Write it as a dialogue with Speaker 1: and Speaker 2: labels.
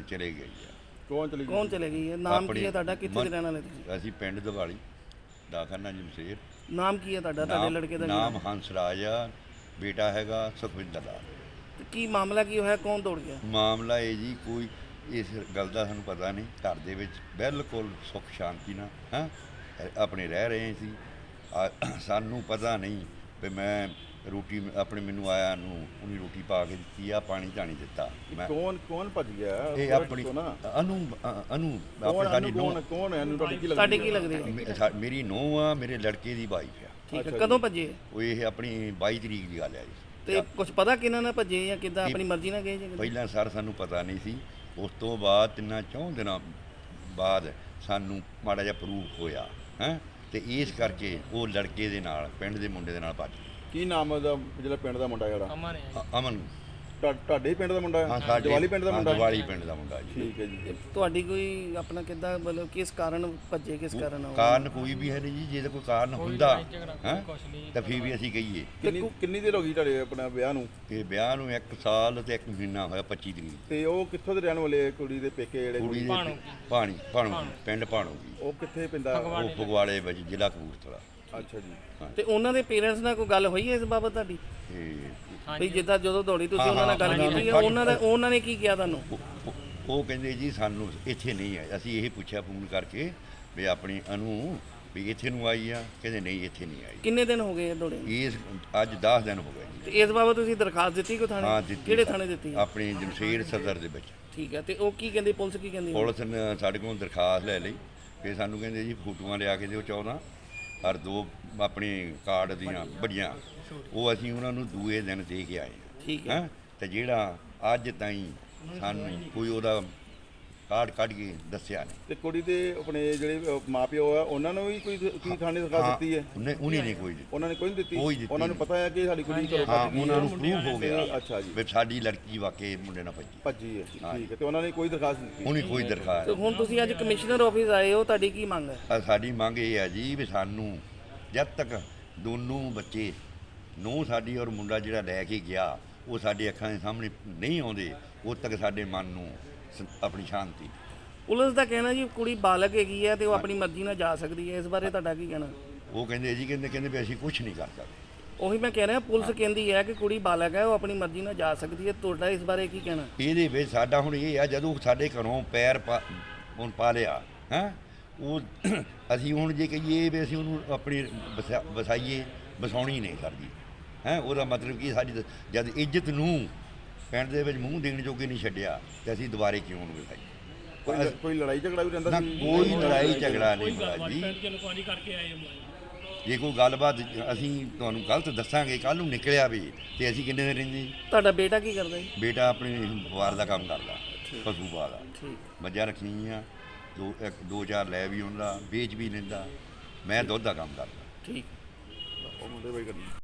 Speaker 1: ਆਪਣੇ ਚਲੇ ਗਈ ਆ।
Speaker 2: ਕੌਣ ਚਲੇ ਗਈ ਹੈ? ਨਾਮ ਕੀ ਹੈ ਤੁਹਾਡਾ? ਕਿੱਥੇ ਦੇ ਰਹਿਣ ਵਾਲੇ ਤੁਸੀਂ?
Speaker 1: ਅਸੀਂ ਪਿੰਡ ਦਿਵਾਲੀ ਦਾਖਾਨਾ ਜਮਸ਼ੇਰ।
Speaker 2: ਨਾਮ ਕੀ ਹੈ ਤੁਹਾਡਾ? ਤੁਹਾਡੇ ਲੜਕੇ ਦਾ
Speaker 1: ਨਾਮ ਹੰਸ ਰਾਜ ਆ, ਬੇਟਾ ਹੈਗਾ ਸੁਖਵਿੰਦਰ ਲਾਲ।
Speaker 2: ਤੇ ਕੀ ਮਾਮਲਾ ਕੀ ਹੋਇਆ? ਕੌਣ ਦੌੜ ਗਿਆ?
Speaker 1: ਮਾਮਲਾ ਇਹ ਜੀ ਕੋਈ ਇਸ ਗੱਲ ਦਾ ਸਾਨੂੰ ਪਤਾ ਨਹੀਂ। ਘਰ ਦੇ ਵਿੱਚ ਬਿਲਕੁਲ ਸੁੱਖ ਸ਼ਾਂਤੀ ਨਾਲ ਆਪਣੇ ਰਹਿ ਰਹੇ ਸੀ। ਸਾਨੂੰ ਪਤਾ ਨਹੀਂ ਵੀ ਮੈਂ ਰੋਟੀ ਆਪਣੇ ਮੈਨੂੰ ਆਇਆ ਨੂੰ ਉਹਨੇ ਰੋਟੀ ਪਾ ਕੇ ਦਿੱਤੀ ਆ, ਪਾਣੀ ਧਾਣੀ ਦਿੱਤਾ। ਮੈਂ
Speaker 3: ਕੌਣ ਭੱਜ ਗਿਆ?
Speaker 1: ਇਹ ਆਪਣੀ ਅਨੂ ਸਾਡੀ ਨੂੰਹ।
Speaker 3: ਕੌਣ ਹੈ?
Speaker 2: ਤੁਹਾਡੇ ਕੀ ਲੱਗਦੇ ਹੈ?
Speaker 1: ਮੇਰੀ ਨੂੰਹ ਆ, ਮੇਰੇ ਲੜਕੇ ਦੀ ਵਾਈਫ ਆ।
Speaker 2: ਠੀਕ ਹੈ। ਕਦੋਂ ਭੱਜੇ?
Speaker 1: ਉਹ ਇਹ ਆਪਣੀ 22 ਤਰੀਕ ਦੀ ਗੱਲ ਹੈ ਜੀ।
Speaker 2: ਤੇ ਕੁਝ ਪਤਾ ਕਿਹਨਾਂ ਨਾਲ ਭੱਜੇ ਜਾਂ ਕਿੱਦਾਂ ਆਪਣੀ ਮਰਜ਼ੀ ਨਾਲ ਗਏ ਜਾਂ
Speaker 1: ਪਹਿਲਾਂ ਸਰ ਸਾਨੂੰ ਪਤਾ ਨਹੀਂ ਸੀ। ਉਸ ਤੋਂ ਬਾਅਦ 3-4 ਦਿਨਾਂ ਬਾਅਦ ਸਾਨੂੰ ਮਾੜਾ ਜਿਹਾ ਪ੍ਰੂਫ ਹੋਇਆ ਤੇ ਇਸ ਕਰਕੇ ਉਹ ਲੜਕੇ ਦੇ ਨਾਲ ਪਿੰਡ ਦੇ ਮੁੰਡੇ ਦੇ ਨਾਲ ਭੱਜ ਗਏ।
Speaker 3: ਕੀ ਨਾਮ ਉਹਦਾ ਜਿਹੜਾ ਪਿੰਡ ਦਾ ਮੁੰਡਾ ਜਿਹੜਾ?
Speaker 1: ਅਮਨ।
Speaker 3: ਤੁਹਾਡੇ ਪਿੰਡ ਦਾ ਮੁੰਡਾ?
Speaker 1: ਹਾਂ, ਸਾਡੇ
Speaker 3: ਦਿਵਾਲੀ ਪਿੰਡ ਦਾ ਮੁੰਡਾ।
Speaker 1: ਦਿਵਾਲੀ ਪਿੰਡ ਦਾ ਮੁੰਡਾ ਜੀ।
Speaker 3: ਠੀਕ ਹੈ ਜੀ।
Speaker 2: ਤੁਹਾਡੀ ਕੋਈ ਆਪਣਾ ਕਿੱਦਾਂ ਮਤਲਬ ਕਿਸ ਕਾਰਨ ਭੱਜੇ? ਕਿਸ ਕਾਰਨ?
Speaker 1: ਕਾਰਨ ਕੋਈ ਵੀ ਹੈ ਨਹੀਂ ਜੀ। ਜੇ ਤਾਂ ਕੋਈ ਕਾਰਨ ਹੁੰਦਾ ਤਾਂ ਫਿਰ ਵੀ ਅਸੀਂ ਕਹੀਏ।
Speaker 3: ਕਿੰਨੀ ਦੇਰ ਹੋ ਗਈ ਤੁਹਾਡੇ ਆਪਣਾ ਵਿਆਹ ਨੂੰ?
Speaker 1: ਇਹ ਵਿਆਹ ਨੂੰ 1 ਸਾਲ ਤੇ 1 ਮਹੀਨਾ ਹੋਇਆ, 25 ਤਰੀਕ।
Speaker 3: ਤੇ ਉਹ ਕਿੱਥੋਂ ਦੇ ਰਹਿਣ ਵਾਲੇ? ਕੁੜੀ ਦੇ ਪੇਕੇ ਜਿਹੜੇ?
Speaker 1: ਕੁੜੀ ਦੇ ਭਾਣੋ ਪਿੰਡ ਭਾਣੋ ਜੀ।
Speaker 3: ਉਹ ਕਿੱਥੇ ਪੈਂਦਾ?
Speaker 1: ਉਹ ਫਗਵਾੜੇ ਵਿੱਚ, ਜ਼ਿਲ੍ਹਾ ਕਪੂਰਥਲਾ।
Speaker 3: ਅੱਛਾ ਜੀ।
Speaker 2: ਤੇ ਉਹਨਾਂ ਦੇ ਪੇਰੈਂਟਸ ਨਾਲ ਕੋਈ ਗੱਲ ਹੋਈ ਹੈ ਇਸ ਬਾਬਤ ਤੁਹਾਡੀ? ਵੀ ਜਿੱਦਾਂ ਜਦੋਂ ਦੌੜੀ ਤੁਸੀਂ ਉਹਨਾਂ ਨਾਲ ਗੱਲ ਕੀਤੀ ਹੈ, ਉਹਨਾਂ ਨੇ ਕੀ ਕਿਹਾ ਤੁਹਾਨੂੰ?
Speaker 1: ਉਹ ਕਹਿੰਦੇ ਜੀ ਸਾਨੂੰ ਇੱਥੇ ਨਹੀਂ ਆਏ। ਅਸੀਂ ਇਹ ਪੁੱਛਿਆ ਫੋਨ ਕਰਕੇ ਵੀ ਆਪਣੀ ਅਨੂ ਵੀ ਇੱਥੇ ਨੂੰ ਆਈ ਆ? ਕਹਿੰਦੇ ਨਹੀਂ, ਇੱਥੇ ਨਹੀਂ ਆਈ।
Speaker 2: ਕਿੰਨੇ ਦਿਨ ਹੋ ਗਏ ਦੌੜੇ?
Speaker 1: ਇਸ ਅੱਜ 10 ਦਿਨ ਹੋ ਗਏ ਜੀ।
Speaker 2: ਤੇ ਇਸ ਬਾਬਤ ਤੁਸੀਂ ਦਰਖਾਸਤ ਦਿੱਤੀ ਕੋ ਥਾਣੇ?
Speaker 1: ਹਾਂ, ਦਿੱਤੀ।
Speaker 2: ਕਿਹੜੇ ਥਾਣੇ ਦਿੱਤੀ?
Speaker 1: ਆਪਣੀ ਜਮਸ਼ੇਰ ਸਦਰ ਦੇ ਵਿੱਚ।
Speaker 2: ਠੀਕ ਹੈ। ਤੇ ਉਹ ਕੀ ਕਹਿੰਦੀ? ਪੁਲਿਸ ਕੀ ਕਹਿੰਦੀ?
Speaker 1: ਪੁਲਿਸ ਨੇ ਸਾਡੇ ਕੋਲ ਦਰਖਾਸਤ ਲੈ ਲਈ। ਫਿਰ ਸਾਨੂੰ ਕਹਿੰਦੇ ਜੀ ਫੋਟੋਆਂ ਲਿਆ ਕੇ ਦਿਓ 14 ਔਰ 2 ਆਪਣੀ ਕਾਰਡ ਦੀਆਂ ਵੱਡੀਆਂ। ਉਹ ਅਸੀਂ ਉਹਨਾਂ ਨੂੰ ਦੂਏ ਦਿਨ ਦੇ ਕੇ ਆਏ।
Speaker 2: ਠੀਕ ਹੈ।
Speaker 1: ਤੇ ਜਿਹੜਾ ਅੱਜ ਤਾਈਂ ਸਾਨੂੰ ਕੋਈ ਉਹਦਾ ਕਾਰਡ ਕੱਢ ਕੇ ਦੱਸਿਆ ਨਹੀਂ।
Speaker 3: ਤੇ ਕੁੜੀ ਦੇ ਆਪਣੇ ਜਿਹੜੇ ਮਾਪਿਓ ਆ ਉਹਨਾਂ ਨੂੰ ਵੀ ਕੋਈ ਥਾਣੇ ਦਰਖਾਸਤ ਦਿੱਤੀ ਹੈ?
Speaker 1: ਉਹਨੇ ਨਹੀਂ ਕੋਈ ਦਿੱਤੀ।
Speaker 3: ਉਹਨਾਂ ਨੇ ਕੋਈ ਨਹੀਂ ਦਿੱਤੀ?
Speaker 1: ਕੋਈ ਦਿੱਤੀ
Speaker 3: ਉਹਨਾਂ ਨੂੰ ਪਤਾ ਹੈ ਕਿ ਸਾਡੀ ਕੁੜੀ ਘਰੋਂ
Speaker 1: ਹਾਂ,
Speaker 3: ਭੱਜ ਗਈ
Speaker 1: ਉਹਨਾਂ ਨੂੰ ਪ੍ਰੂਫ ਹੋ ਗਿਆ।
Speaker 3: ਅੱਛਾ ਜੀ।
Speaker 1: ਵੀ ਸਾਡੀ ਲੜਕੀ ਵਾਕਈ ਮੁੰਡੇ ਨਾਲ
Speaker 3: ਭੱਜੀ ਹੈ। ਠੀਕ ਹੈ। ਤੇ ਉਹਨਾਂ ਨੇ ਕੋਈ ਦਰਖਾਸਤ ਦਿੱਤੀ?
Speaker 1: ਉਹਨੇ ਕੋਈ ਦਰਖਾਸਤ।
Speaker 2: ਤੇ ਹੁਣ ਤੁਸੀਂ ਅੱਜ ਕਮਿਸ਼ਨਰ ਆਫਿਸ ਆਏ ਹੋ, ਤੁਹਾਡੀ ਕੀ ਮੰਗ ਹੈ?
Speaker 1: ਸਾਡੀ ਮੰਗ ਇਹ ਹੈ ਜੀ ਵੀ ਸਾਨੂੰ ਜਦ ਤੱਕ ਦੋਨੋਂ ਬੱਚੇ ਨੂੰਹ ਸਾਡੀ ਔਰ ਮੁੰਡਾ ਜਿਹੜਾ ਲੈ ਕੇ ਗਿਆ ਉਹ ਸਾਡੇ ਅੱਖਾਂ ਦੇ ਸਾਹਮਣੇ ਨਹੀਂ ਆਉਂਦੇ, ਉਦ ਤੱਕ ਸਾਡੇ ਮਨ ਨੂੰ ਆਪਣੀ ਸ਼ਾਂਤੀ।
Speaker 2: ਪੁਲਿਸ ਦਾ ਕਹਿਣਾ ਜੀ ਕੁੜੀ ਬਾਲਗ ਹੈਗੀ ਹੈ ਤੇ ਉਹ ਆਪਣੀ ਮਰਜ਼ੀ ਨਾਲ ਜਾ ਸਕਦੀ ਹੈ। ਇਸ ਬਾਰੇ ਤੁਹਾਡਾ ਕੀ ਕਹਿਣਾ?
Speaker 1: ਉਹ ਕਹਿੰਦੇ ਜੀ ਕਹਿੰਦੇ ਵੀ ਅਸੀਂ ਕੁਝ ਨਹੀਂ ਕਰ ਸਕਦੇ।
Speaker 2: ਉਹੀ ਮੈਂ ਕਹਿ ਰਿਹਾ, ਪੁਲਿਸ ਕਹਿੰਦੀ ਹੈ ਕਿ ਕੁੜੀ ਬਾਲਗ ਹੈ, ਉਹ ਆਪਣੀ ਮਰਜ਼ੀ ਨਾਲ ਜਾ ਸਕਦੀ ਹੈ। ਤੁਹਾਡਾ ਇਸ ਬਾਰੇ ਕੀ ਕਹਿਣਾ?
Speaker 1: ਇਹਦੇ ਵਿੱਚ ਸਾਡਾ ਹੁਣ ਇਹ ਆ, ਜਦੋਂ ਸਾਡੇ ਘਰੋਂ ਪੈਰ ਹੁਣ ਪਾ ਲਿਆ ਉਹ ਅਸੀਂ ਹੁਣ ਜੇ ਕਹੀਏ ਵੀ ਅਸੀਂ ਉਹਨੂੰ ਆਪਣੀ ਵਸਾਈਏ, ਵਸਾਉਣੀ ਨਹੀਂ ਕਰਦੀ ਉਹਦਾ ਮਤਲਬ ਕਿ ਸਾਡੀ ਜਦ ਇੱਜ਼ਤ ਨੂੰ ਪਿੰਡ ਦੇ ਵਿੱਚ ਮੂੰਹ ਦੇਣ ਜੋਗੇ ਨਹੀਂ ਛੱਡਿਆ ਤੇ ਅਸੀਂ ਦੁਬਾਰੇ ਕਿਉਂ ਉਹਨੂੰ ਵਸਾਈਏ?
Speaker 3: ਕੋਈ ਲੜਾਈ ਝਗੜਾ ਵੀ ਰਹਿੰਦਾ ਸੀ?
Speaker 1: ਕੋਈ ਲੜਾਈ ਝਗੜਾ ਨਹੀਂ ਹੋਇਆ ਜੀ। ਜੇ ਕੋਈ ਗੱਲਬਾਤ ਅਸੀਂ ਤੁਹਾਨੂੰ ਗਲਤ ਦੱਸਾਂਗੇ, ਕੱਲ ਨੂੰ ਨਿਕਲਿਆ ਵੀ ਤੇ ਅਸੀਂ ਕਿੰਨੇ ਦਿਨ ਰਹਿੰਦੇ ਜੀ।
Speaker 2: ਤੁਹਾਡਾ ਬੇਟਾ ਕੀ ਕਰਦਾ ਹੈ?
Speaker 1: ਬੇਟਾ ਆਪਣੀ ਵਪਾਰ ਦਾ ਕੰਮ ਕਰਦਾ, ਪਸ਼ੂ ਪਾਲਦਾ।
Speaker 2: ਠੀਕ।
Speaker 1: ਮੱਝਾਂ ਰੱਖੀਆਂ, 2-4 ਲੈ ਵੀ ਆਉਂਦਾ, ਵੇਚ ਵੀ ਲੈਂਦਾ। ਮੈਂ ਦੁੱਧ ਦਾ ਕੰਮ ਕਰਦਾ।
Speaker 2: ਠੀਕ।
Speaker 3: ਉਹ ਮੁੰਡੇ ਬਾਈ ਕਰਨੀ।